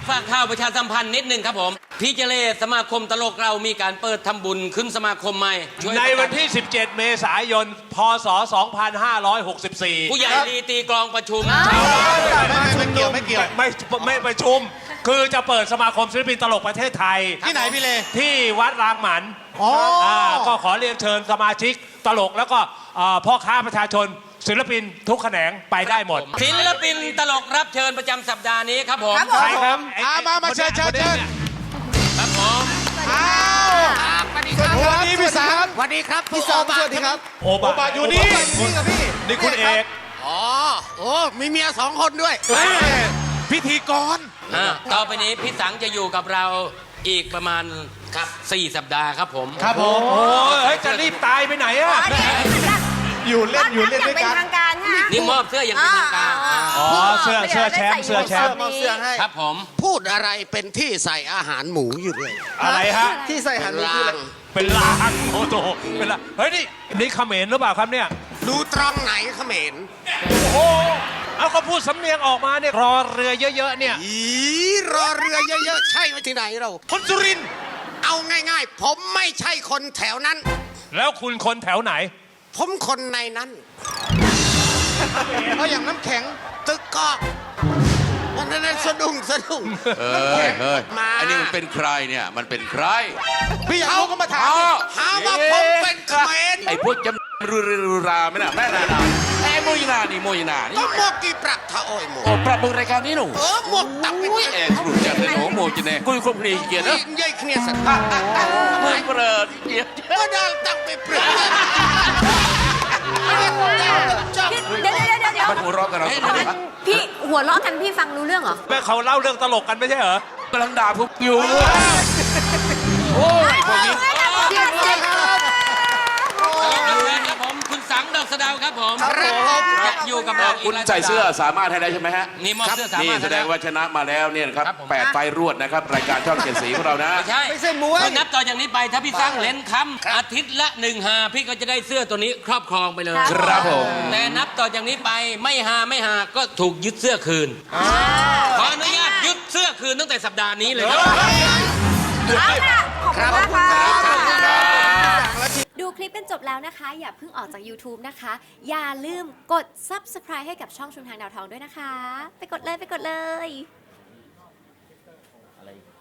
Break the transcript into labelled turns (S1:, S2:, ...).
S1: ฝากข่าวประชาสัมพันธ์นิดนึงครับผมพี่เจเลสมาคมตลกเรามีการเปิดทำบุญขึ้นสมาคมใหม่
S2: ในวันที่ 17 เมษายน พศ 2564
S1: ผู้ใหญ่ลีตีกลองประชุม
S3: ไม่เกี่ยว
S2: ไม่ประชุม คือจะเปิดสมาคมศิลปินตลกประเทศไทย
S3: ที่ไหนพี่เล
S2: ที่วัดรางหมันก็ขอเรียนเชิญสมาชิกตลกแล้วก็พ่อค้าประชาชนศิลปินทุกแขนงไปได้หมด
S1: ศิลปินตลกรับเชิญประจำสัปดาห์นี้ครับผม
S2: ใครครับ
S3: มาเชิญ
S1: ครับผม
S3: สวัสดีพี่สังสวัสดีครับพี่สังสวัสดีครับ
S2: โอบะ
S3: อยู่นี่กับพี่
S2: นี่คุณเอก
S3: มีเมีย2 คนด้วยพิธีกร
S1: ต่อไปนี้พี่สังจะอยู่กับเราอีกประมาณครับ4 สัปดาห์ครับผม
S3: ครับผม
S2: โอ้ยจะรีบตายไปไหนอะ
S3: อยู่เล่นด้วยกัน
S4: เป็นทางการฮะ
S1: นี่มอบเสื้ออย่างเป็นทางการ
S2: เสื้อแชมป์เสื้อแชมป์
S1: ครับผม
S5: พูดอะไรเป็นที่ใส่อาหารหมูอยู่เลย
S2: อะไรฮะ
S3: ที่ใส่หันลาง
S2: เป็นลางโอ้โหเป็นลางเฮ้ยนี่เขมรหรือเปล่าครับเนี่ย
S5: ดูตรงไหนเขมร
S2: โอ้โหเอาเขาพูดสำเนียงออกมาเนี่ยรอเรือเยอะๆเนี่ย
S5: รอเรือเยอะๆใช่ไหมที่ไหนเรา
S3: คนสุรินทร์
S5: เอาง่ายๆผมไม่ใช่คนแถวนั้น
S2: แล้วคุณคนแถวไหน
S5: ผมคนในนั้น
S3: เอาอย่างน้ำแข็ง
S5: ตึกกอกนั่นสะดุ้ง
S6: เฮ้ยอันนี้มันเป็นใครเนี่ยมันเป็นใคร
S3: พี่เขาก็มาถาม
S5: หาว่าผมเป็นเขมร
S6: ไอ้พวกจำรูราไม่น่ะแม่นาไอ้โมยนานี่
S5: ก็หมวกกี่ปรับทะโอยหมวก
S6: ปรับมือรายการนี้หนู
S5: หมวกตับเป็น
S6: เอ็กซ์รูจัดเลยหนูโมจิเน่กุยครบครีเกียรตินะ
S5: ยัยเคลียร์สัตว์
S6: ไม่เปรอะเกียรติ
S5: ก็ได้ตั้งไปเปลือก
S4: เดี๋ยว
S6: มันหัวเราะกันเรา
S4: พี่หัวเราะกันพี่ฟังรู้เรื่องเหรอ
S2: แม่เขาเล่าเรื่องตลกกันไม่ใช่เหรอก
S6: ำลังด่าพวกอยู่โอ้ยพวกนี้
S1: ครับผมคุณสังดอกสะดาวครับผมจะอยู่กับเรา
S6: คุณใส่เสื้อสามารถให้ได้ใช่ไหมฮะ
S1: นี่มอบเสื้อสามารถ
S6: นี่แสดงว่าชนะมาแล้วเนี่ยครับ8 ไฟรวดนะครับรายการช่อง7 สีของเรานะ
S1: ไม่ใช่มวยนับต่อจากนี้ไปถ้าพี่สังเล่นคำอาทิตย์ละ1 หาพี่ก็จะได้เสื้อตัวนี้ครอบครองไปเลย
S6: ครับผม
S1: แต่นับต่อจากนี้ไปไม่หาก็ถูกยึดเสื้อคืนขออนุญาตยึดเสื้อคืนตั้งแต่สัปดาห์นี้เลย
S4: ครับขอบคุณมากค่ะ
S7: ดูคลิปเป็นจบแล้วนะคะ อย่าเพิ่งออกจาก YouTube นะคะ อย่าลืมกด Subscribe ให้กับช่องชุมทางดาวทองด้วยนะคะ ไปกดเลย